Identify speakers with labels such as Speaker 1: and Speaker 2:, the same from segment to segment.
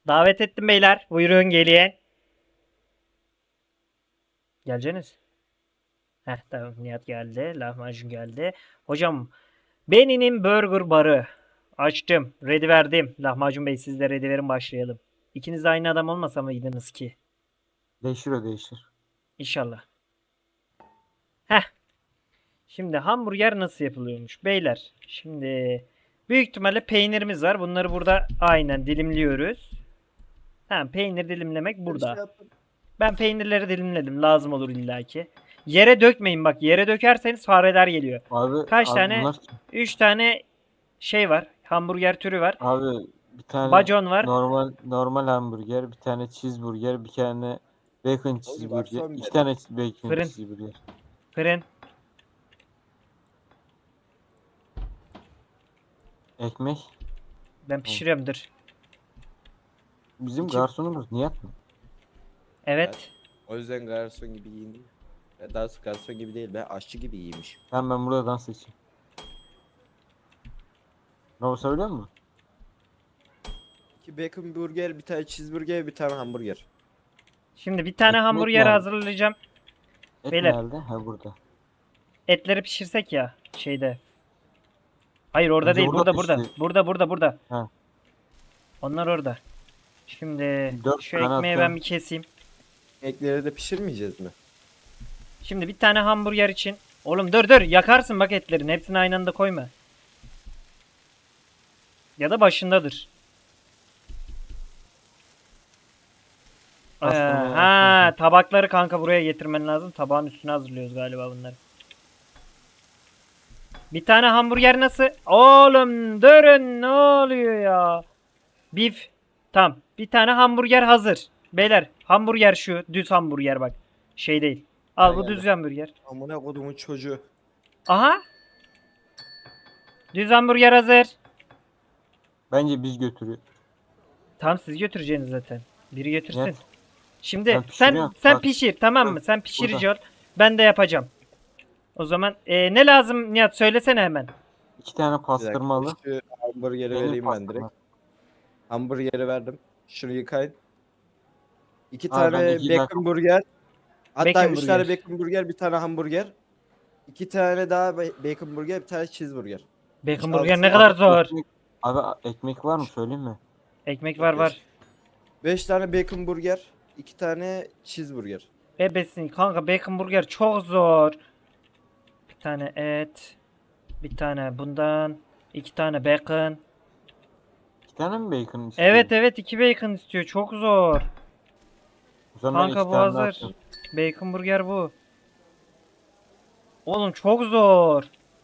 Speaker 1: Davet ettim beyler. Buyurun gelin. Geleceksiniz. Heh tamam Nihat geldi. Lahmacun geldi. Hocam Benny'nin Burger Barı. Açtım. Ready verdim. Lahmacun Bey siz de ready verin başlayalım. İkiniz de aynı adam olmasa mıydınız ki?
Speaker 2: Değişir o değişir.
Speaker 1: İnşallah. Heh. Şimdi hamburger nasıl yapılıyormuş? Beyler. Şimdi büyük ihtimalle peynirimiz var. Bunları burada aynen dilimliyoruz. Tamam peynir dilimlemek
Speaker 3: Bir şey
Speaker 1: burada.
Speaker 3: yaptım.
Speaker 1: Ben peynirleri dilimledim. Lazım olur illaki. Yere dökmeyin bak. Yere dökerseniz fareler geliyor.
Speaker 2: Abi,
Speaker 1: Kaç
Speaker 2: abi
Speaker 1: tane?
Speaker 2: bunlar kim?
Speaker 1: 3 tane şey var. Hamburger türü var.
Speaker 2: Abi bir tane
Speaker 1: Bacon var.
Speaker 2: normal hamburger, bir tane cheeseburger, bir tane bacon
Speaker 3: Oğlum
Speaker 2: cheeseburger,
Speaker 3: garson
Speaker 2: iki
Speaker 3: benim.
Speaker 2: tane bacon
Speaker 1: Fırın.
Speaker 2: cheeseburger.
Speaker 1: Fırın.
Speaker 2: Ekmek.
Speaker 1: Ben pişiriyorum dur.
Speaker 2: Bizim
Speaker 3: İki-
Speaker 2: garsonumuz Nihat mı?
Speaker 1: Evet.
Speaker 3: O yüzden garson gibi giyindim. Daha doğrusu garson gibi değil be, aşçı gibi giymiş.
Speaker 2: Ben burada dans edeceğim. Ne o söylüyor musun?
Speaker 3: 2 bacon burger, bir tane cheeseburger, bir tane hamburger.
Speaker 1: Şimdi bir tane
Speaker 2: Ekmek
Speaker 1: hamburger
Speaker 2: nerede?
Speaker 1: hazırlayacağım.
Speaker 2: Et
Speaker 1: Beyler.
Speaker 2: nerede? Ha burada.
Speaker 1: Etleri pişirsek ya şeyde. Hayır orada
Speaker 2: Önce
Speaker 1: değil.
Speaker 2: burada
Speaker 1: Burada.
Speaker 2: pişti.
Speaker 1: Burada.
Speaker 2: Ha.
Speaker 1: Onlar orada. Şimdi
Speaker 2: 4
Speaker 1: şu
Speaker 2: tane
Speaker 1: ekmeği
Speaker 2: atıyorum.
Speaker 1: ben bir keseyim.
Speaker 3: Ekleri de pişirmeyeceğiz mi?
Speaker 1: Şimdi bir tane hamburger için. Oğlum dur yakarsın bak etlerin. Hepsini aynı anda koyma. Ya da başındadır.
Speaker 2: Aslında
Speaker 1: Ha tabakları kanka buraya getirmen lazım. Tabağın üstüne hazırlıyoruz galiba bunları. Bir tane hamburger nasıl? Oğlum durun ne oluyor ya? Beef. Tamam. Bir tane hamburger hazır. Beyler hamburger şu. Düz hamburger bak. Şey değil. Al
Speaker 3: Ha,
Speaker 1: bu
Speaker 3: geldi.
Speaker 1: düz hamburger.
Speaker 3: Amına kodumun çocuğu.
Speaker 1: Aha. Düz hamburger hazır.
Speaker 2: Bence biz götürüyor.
Speaker 1: Tamam siz götüreceksiniz zaten. Biri götürsün.
Speaker 2: Nihat.
Speaker 1: Şimdi
Speaker 2: Ben pişiriyorum.
Speaker 1: sen
Speaker 2: Bak.
Speaker 1: pişir tamam mı?
Speaker 2: Bak,
Speaker 1: Sen pişirici ol. Ben de yapacağım. O zaman ne lazım Nihat söylesene hemen.
Speaker 2: 2 tane
Speaker 3: Bir dakika,
Speaker 2: pastırmalı.
Speaker 3: şu hamburgeri
Speaker 2: Benim
Speaker 3: vereyim ben
Speaker 2: pastırma.
Speaker 3: direkt. Hamburgeri verdim. Şunu yıkayın. 2
Speaker 2: Abi ben
Speaker 3: tane
Speaker 2: iki
Speaker 3: bacon
Speaker 2: dakika-
Speaker 3: burger. Hatta
Speaker 1: Bacon
Speaker 3: 3 tane
Speaker 1: burger.
Speaker 3: bacon burger, bir tane hamburger. 2 tane daha bacon burger, bir tane cheeseburger.
Speaker 1: Bacon
Speaker 3: Altı-
Speaker 1: burger ne kadar zor.
Speaker 2: Abi ekmek var mı söyleyeyim mi?
Speaker 1: Ekmek var.
Speaker 3: 5 tane bacon burger, 2 tane cheeseburger.
Speaker 1: Bebesin kanka bacon burger çok zor. Bir tane et. Bir tane bundan. 2 tane bacon.
Speaker 2: 2 tane mi bacon istiyor?
Speaker 1: Evet 2 bacon istiyor. Çok zor.
Speaker 2: O zaman ben
Speaker 1: Kanka
Speaker 2: iki
Speaker 1: bu
Speaker 2: tane daha
Speaker 1: hazır.
Speaker 2: atıyorum.
Speaker 1: Bacon burger bu. Oğlum çok zor.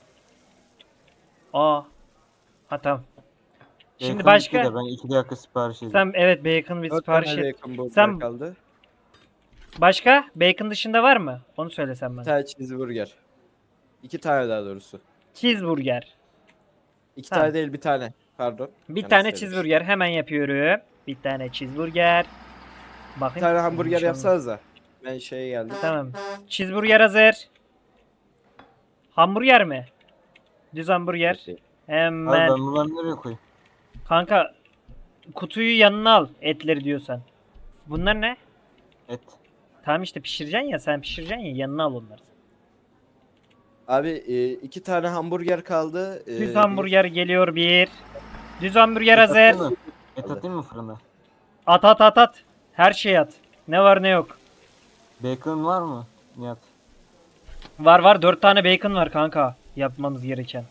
Speaker 1: Aa. Ha tamam. Şimdi
Speaker 2: Bacon
Speaker 1: başka.
Speaker 2: bitti de ben 2 dakika sipariş edeyim.
Speaker 1: Sen evet bacon bir
Speaker 3: 4
Speaker 1: sipariş
Speaker 3: tane
Speaker 1: et.
Speaker 3: bacon burger
Speaker 1: Sen
Speaker 3: kaldı.
Speaker 1: başka? Bacon dışında var mı? Onu söylesen
Speaker 3: Bir
Speaker 1: bana.
Speaker 3: tane cheeseburger. 2 tane daha doğrusu.
Speaker 1: Cheeseburger.
Speaker 3: 2
Speaker 1: Tamam.
Speaker 3: tane değil, bir tane. Pardon.
Speaker 1: Bir
Speaker 3: Yanlış
Speaker 1: tane
Speaker 3: söylemişim.
Speaker 1: cheeseburger hemen yapıyorum. Bir tane cheeseburger.
Speaker 3: Bir
Speaker 1: Bakayım.
Speaker 3: tane hamburger
Speaker 1: Yanlış
Speaker 3: yapsanız da. Ben şeye geldim.
Speaker 1: Tamam. Cheeseburger hazır. Hamburger mi? Düz hamburger.
Speaker 3: Okey.
Speaker 2: Abi
Speaker 1: Hemen.
Speaker 2: ben bunları nereye koyayım?
Speaker 1: Kanka kutuyu yanına al etleri diyorsan. Bunlar ne?
Speaker 2: Et.
Speaker 1: Tamam işte pişireceksin ya sen pişireceksin ya yanına al onları.
Speaker 3: Abi 2 tane hamburger kaldı.
Speaker 1: Düz hamburger geliyor bir. Düz hamburger hazır.
Speaker 2: Atayım mı? Et atayım mı fırına?
Speaker 1: At. Her şey at. Ne var ne yok.
Speaker 2: Bacon var mı Nihat?
Speaker 1: Var 4 tane bacon var kanka. Yapmamız gereken.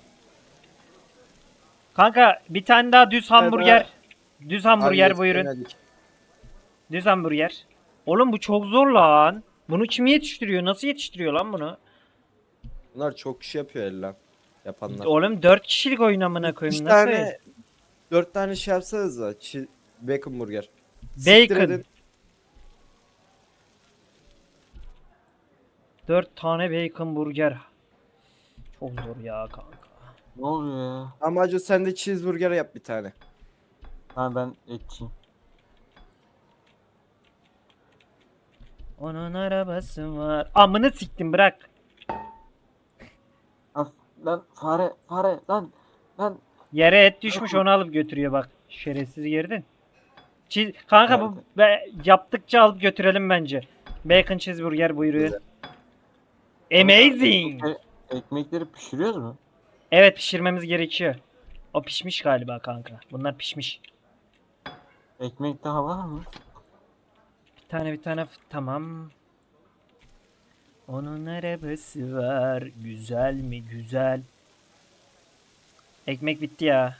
Speaker 1: Kanka bir tane daha düz hamburger. Düz hamburger buyurun. Düz hamburger. Oğlum bu çok zor lan. Bunu kim yetiştiriyor? Nasıl yetiştiriyor lan bunu?
Speaker 3: Bunlar çok kişi yapıyor el lan. Yapanlar.
Speaker 1: Oğlum 4 kişilik oyun amına
Speaker 3: 3
Speaker 1: koyayım. Nasıl?
Speaker 3: tane 4 tane şey yapsanız da bacon burger.
Speaker 1: Bacon.
Speaker 3: Siktir edin.
Speaker 1: 4 tane bacon burger. Çok zor ya kanka.
Speaker 2: Ne oluyor ya?
Speaker 3: Amacı sen de cheeseburger yap bir tane.
Speaker 2: Ha ben etçiyim.
Speaker 1: Onun arabası var. Amını siktim bırak.
Speaker 2: Lan fare lan.
Speaker 1: Yere et düşmüş onu alıp götürüyor bak. Şerefsiz girdin. Kanka bu yaptıkça alıp götürelim bence. Bacon cheeseburger buyuruyor. Amazing.
Speaker 2: Ekmekleri pişiriyoruz mu?
Speaker 1: Evet pişirmemiz gerekiyor. O pişmiş galiba kanka. Bunlar pişmiş.
Speaker 2: Ekmek daha var mı?
Speaker 1: Bir tane tamam. Onun arabası var. Güzel mi güzel. Ekmek bitti ya.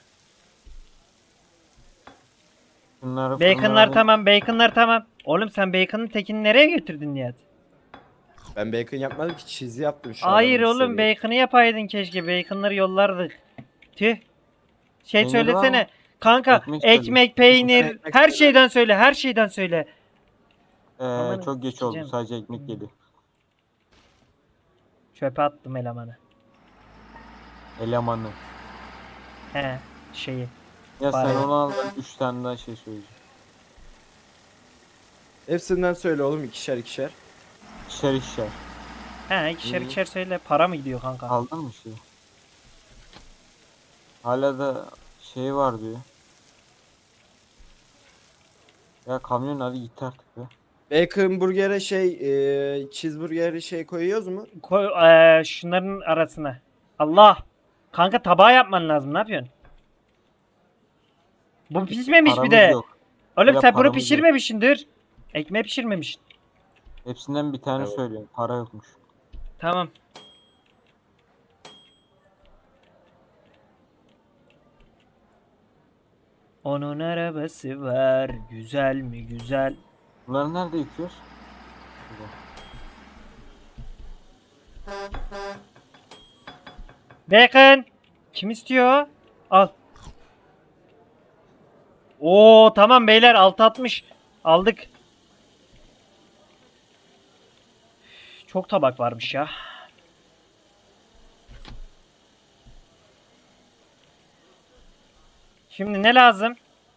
Speaker 2: Bunları
Speaker 1: Baconlar tamam, baconlar tamam. Oğlum sen bacon'ın tekini nereye götürdün Nihat?
Speaker 3: Ben bacon yapmadım ki, cheese yaptım şu
Speaker 1: Hayır
Speaker 3: adamın
Speaker 1: oğlum
Speaker 3: istediği.
Speaker 1: bacon'ı yapaydın keşke. Bacon'ları yollardık. Tüh. Şey
Speaker 2: Peynir var mı?
Speaker 1: söylesene. Kanka
Speaker 2: Ekmek söyle.
Speaker 1: ekmek, peynir,
Speaker 3: Ekmek
Speaker 1: her
Speaker 3: söyle.
Speaker 1: şeyden söyle, her şeyden söyle. Aman
Speaker 2: Çok geç oldu.
Speaker 1: sikeceğim.
Speaker 2: Sadece ekmek geliyor.
Speaker 1: Çöpe attım elemanı.
Speaker 2: Elemanı.
Speaker 1: He şeyi.
Speaker 2: Ya
Speaker 1: Bari.
Speaker 2: sen onu al, ben 3 tane daha şey söyleyeceğim.
Speaker 3: Hepsinden söyle oğlum, ikişer ikişer.
Speaker 2: İkişer ikişer.
Speaker 1: He ikişer
Speaker 2: İyi.
Speaker 1: ikişer söyle. Para mı gidiyor kanka?
Speaker 2: Aldın mı şey? Hala da şey var diyor. Ya kamyon hadi git artık be.
Speaker 3: Bacon burger'e cheeseburger'e şey koyuyoruz mu?
Speaker 1: Koy şunların arasına. Allah. Kanka tabağı yapman lazım. Ne yapıyorsun? Bu pişmemiş bir
Speaker 2: Paramız
Speaker 1: de.
Speaker 2: yok.
Speaker 1: Oğlum
Speaker 2: Ya
Speaker 1: sen bunu
Speaker 2: paramız yok.
Speaker 1: pişirmemişsindir. Ekmeği pişirmemişsin.
Speaker 2: Hepsinden bir tane
Speaker 3: Evet.
Speaker 2: söylüyorum. Para yokmuş.
Speaker 1: Tamam. Onun arabası var. Güzel mi güzel.
Speaker 2: Bunları nerede yıkıyoruz?
Speaker 1: Bacon. Kim istiyor? Al. Oo tamam beyler 6.60. Aldık. Çok tabak varmış ya. Şimdi ne lazım?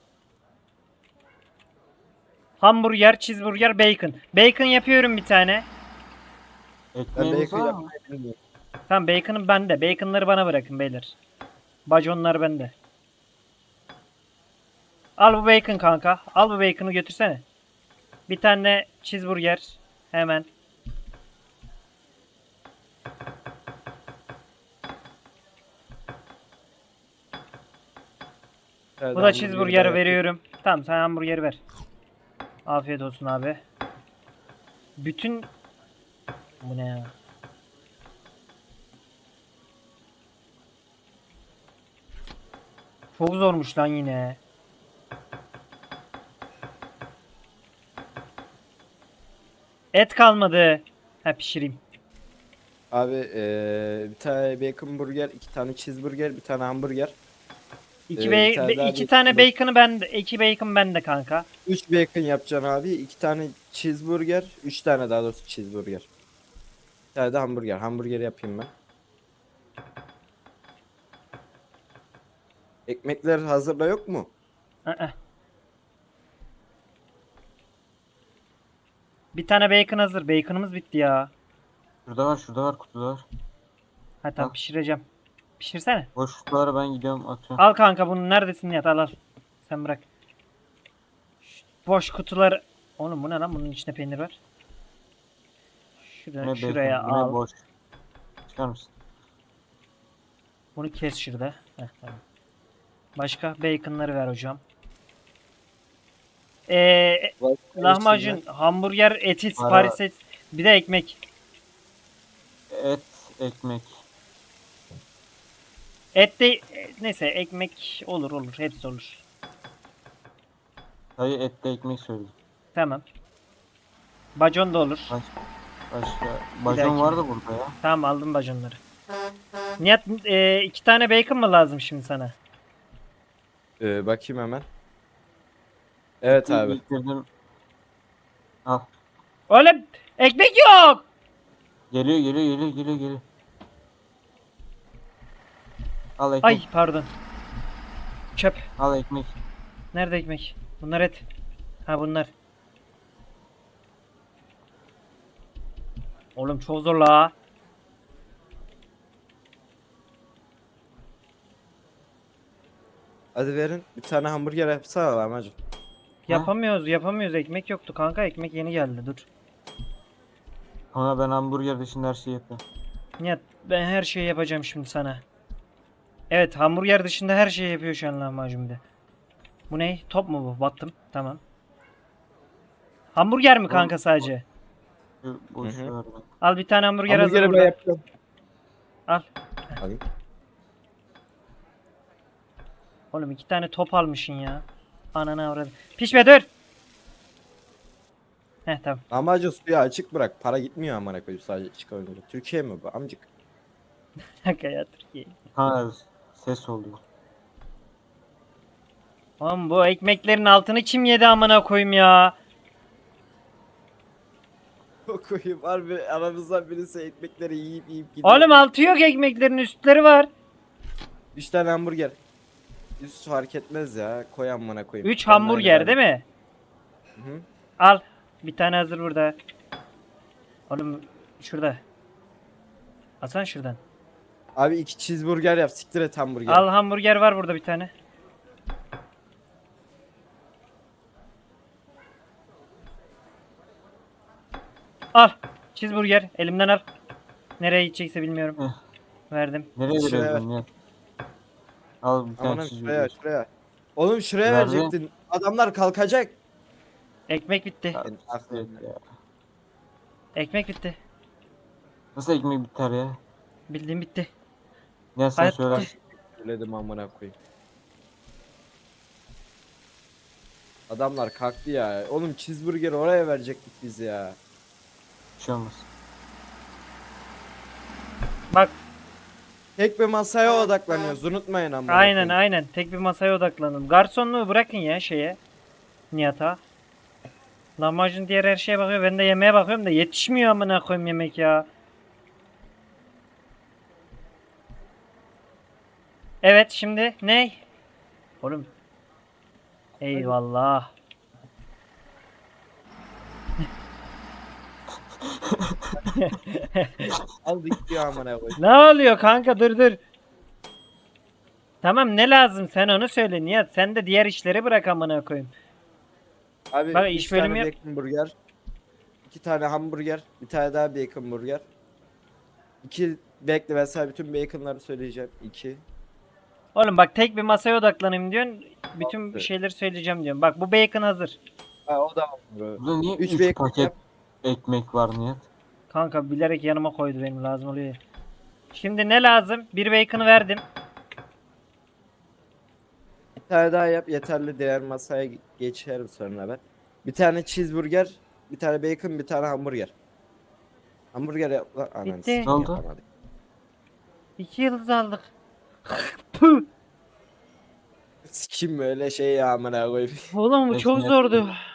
Speaker 1: Hamburger, cheeseburger, bacon. Bacon yapıyorum bir tane.
Speaker 3: Ben
Speaker 2: Ekmeğimiz
Speaker 3: bacon
Speaker 2: var mı?
Speaker 3: yapmayı bilmiyorum.
Speaker 1: Tamam bacon'ım bende. Bacon'ları bana bırakın beyler. Baconlar bende. Al bu bacon kanka. Al bu bacon'ı götürsene. Bir tane cheeseburger. Hemen.
Speaker 3: Evet,
Speaker 1: Bu da
Speaker 3: hamburgeri
Speaker 1: cheeseburger
Speaker 3: ben
Speaker 1: veriyorum. Tamam sen hamburgeri ver. Afiyet olsun abi. Bütün... Bu ne ya? Çok zormuş lan yine. Et kalmadı. Ha pişireyim.
Speaker 3: Abi bir tane bacon burger, iki tane cheeseburger, bir tane hamburger.
Speaker 1: İki,
Speaker 3: Bir tane daha
Speaker 1: iki
Speaker 3: bacon
Speaker 1: tane
Speaker 3: burger.
Speaker 1: bacon'ı bende. İki bacon bende kanka.
Speaker 3: 3 bacon yapacaksın abi. 2 tane cheeseburger. 3 tane daha doğrusu cheeseburger. Bir tane de hamburger. Hamburger yapayım ben. Ekmekler hazırda yok mu?
Speaker 1: Aa. Bir tane bacon hazır. Bacon'ımız bitti ya.
Speaker 2: Şurada var, kutuda var.
Speaker 1: Ha tamam
Speaker 2: Al.
Speaker 1: pişireceğim. Pişirsene.
Speaker 2: Boş kutulara ben gidiyorum atıyorum.
Speaker 1: Al kanka bunu neredesin Nihat al al. Sen bırak. Boş kutular. Oğlum bu ne lan bunun içinde peynir var.
Speaker 2: Ne
Speaker 1: Şuraya
Speaker 2: bacon, bu ne
Speaker 1: al.
Speaker 2: boş. Çıkar mısın?
Speaker 1: Bunu kes şurada. Heh, tamam. Başka baconları ver hocam. Lahmacun, hamburger, eti, sipariş et. Bir de ekmek.
Speaker 2: Et, ekmek.
Speaker 1: Et de neyse ekmek olur olur hepsi olur.
Speaker 2: Hayır, etli ekmek söyledim.
Speaker 1: Tamam. Bacon da olur.
Speaker 2: Başka.
Speaker 1: dahaki.
Speaker 2: Bacon vardı burada ya.
Speaker 1: Tamam aldım baconları. Nihat 2 tane bacon mı lazım şimdi sana?
Speaker 3: Bakayım hemen. Evet abi.
Speaker 2: Bitirdim. Al.
Speaker 1: Oğlum ekmek yok.
Speaker 2: Geliyor. Al ekmek.
Speaker 1: Ay pardon. Çöp.
Speaker 2: Al ekmek.
Speaker 1: Nerede ekmek? Bunlar et. Ha bunlar. Oğlum çok zor la.
Speaker 3: Hadi verin. Bir tane hamburger yapsana lahmacun.
Speaker 1: Yapamıyoruz. Ekmek yoktu kanka. Ekmek yeni geldi. Dur.
Speaker 2: Ama ben hamburger dışında her şeyi yapıyorum.
Speaker 1: Nihat ben her şeyi yapacağım şimdi sana. Evet, hamburger dışında her şeyi yapıyor şu an lahmacun bir de. Bu ne? Top mu bu? Battım. Tamam. Hamburger mi kanka sadece?
Speaker 2: Boş
Speaker 3: Hı hı.
Speaker 2: ver lan.
Speaker 1: Al bir tane hamburger hazır
Speaker 3: Hamburgeri ben
Speaker 1: burada.
Speaker 3: yapıyorum.
Speaker 1: Al.
Speaker 3: Alayım.
Speaker 1: Oğlum 2 tane top almışsın ya. Ananı avradım. Pişme dur. Heh tamam.
Speaker 3: Amacı suyu açık bırak. Para gitmiyor amına koyayım sadece çıkarınca. Türkiye mi bu amcık?
Speaker 1: Kanka ya Türkiye.
Speaker 2: Ha ses oluyor.
Speaker 1: Oğlum bu ekmeklerin altını kim yedi amına koyayım ya?
Speaker 3: Koyayım harbi aramızdan birisi ekmekleri yiyip gidiyor.
Speaker 1: Oğlum altı yok ekmeklerin üstleri var.
Speaker 3: 3 tane hamburger. Üst fark etmez ya. Koy amına koyayım.
Speaker 1: 3 hamburger değil mi?
Speaker 3: Hı.
Speaker 1: Al. Bir tane hazır burada. Oğlum şurada. Alsana şuradan.
Speaker 3: Abi 2 cheeseburger yap. Siktir et hamburger.
Speaker 1: Al hamburger var burada bir tane. Al. Cheeseburger. Elimden al. Nereye gidecekse bilmiyorum.
Speaker 2: Heh.
Speaker 1: Verdim.
Speaker 2: Nereye
Speaker 3: Şuraya
Speaker 2: veriyorsun ya? Al bir tane
Speaker 3: Aman
Speaker 2: cheeseburger.
Speaker 3: şuraya. Oğlum şuraya
Speaker 2: Nerede?
Speaker 3: verecektin. Adamlar kalkacak.
Speaker 1: Ekmek bitti.
Speaker 2: Ya,
Speaker 3: Ben aklım.
Speaker 2: siktir ya.
Speaker 1: Ekmek bitti.
Speaker 2: Nasıl ekmek biter ya?
Speaker 1: Bildiğim bitti.
Speaker 2: Ya sen
Speaker 1: Hayat
Speaker 2: söyler.
Speaker 1: bitti.
Speaker 3: Söyledim amına koyayım. Adamlar kalktı ya. Oğlum cheeseburger oraya verecektik biz ya.
Speaker 2: Bir şey olmaz.
Speaker 1: Bak
Speaker 3: Tek bir masaya odaklanıyoruz. Unutmayın amına
Speaker 1: aynen
Speaker 3: koyayım.
Speaker 1: aynen. Tek bir masaya odaklanın. Garsonluğu bırakın ya şeye. Nihat'a. Lahmacun diğer her şeye bakıyor. Ben de yemeğe bakıyorum da yetişmiyor amına koyayım yemek ya. Evet şimdi ne? Oğlum. Eyvallah.
Speaker 3: Aldık diyor amına koyayım.
Speaker 1: Ne oluyor kanka dur. Tamam ne lazım sen onu söyle Nihat. Sen de diğer işleri bırak amına koyayım.
Speaker 3: Abi
Speaker 1: Bak,
Speaker 3: 3
Speaker 1: iş bölümü
Speaker 3: tane
Speaker 1: yap-
Speaker 3: bacon burger. 2 tane hamburger. Bir tane daha bacon burger. 2 bekle ben sana bütün baconları söyleyeceğim. 2.
Speaker 1: Oğlum bak tek bir masaya odaklanayım diyorsun. Bütün
Speaker 3: Altı.
Speaker 1: şeyleri söyleyeceğim diyorum. Bak bu bacon hazır.
Speaker 3: Ha o da var.
Speaker 2: Burada niye
Speaker 3: 3
Speaker 2: 3
Speaker 3: bacon
Speaker 2: paket
Speaker 3: yap.
Speaker 2: ekmek var Nihat?
Speaker 1: Kanka bilerek yanıma koydu benim lazım oluyor. Şimdi ne lazım? Bir bacon'ı verdim.
Speaker 3: Bir tane daha yap yeterli, diğer masaya geçerim sonra ben. Bir tane cheeseburger, bir tane bacon, bir tane hamburger. Hamburger yap lan. Ananı
Speaker 1: Bitti.
Speaker 3: sikeyim,
Speaker 2: Ne oldu?
Speaker 3: yapamadık.
Speaker 1: 2 yıldız aldık. Puh.
Speaker 3: Sikim böyle şey ya amına koyayım.
Speaker 1: Oğlum bu
Speaker 2: Peki,
Speaker 1: çok
Speaker 2: Nihat.
Speaker 1: zordu.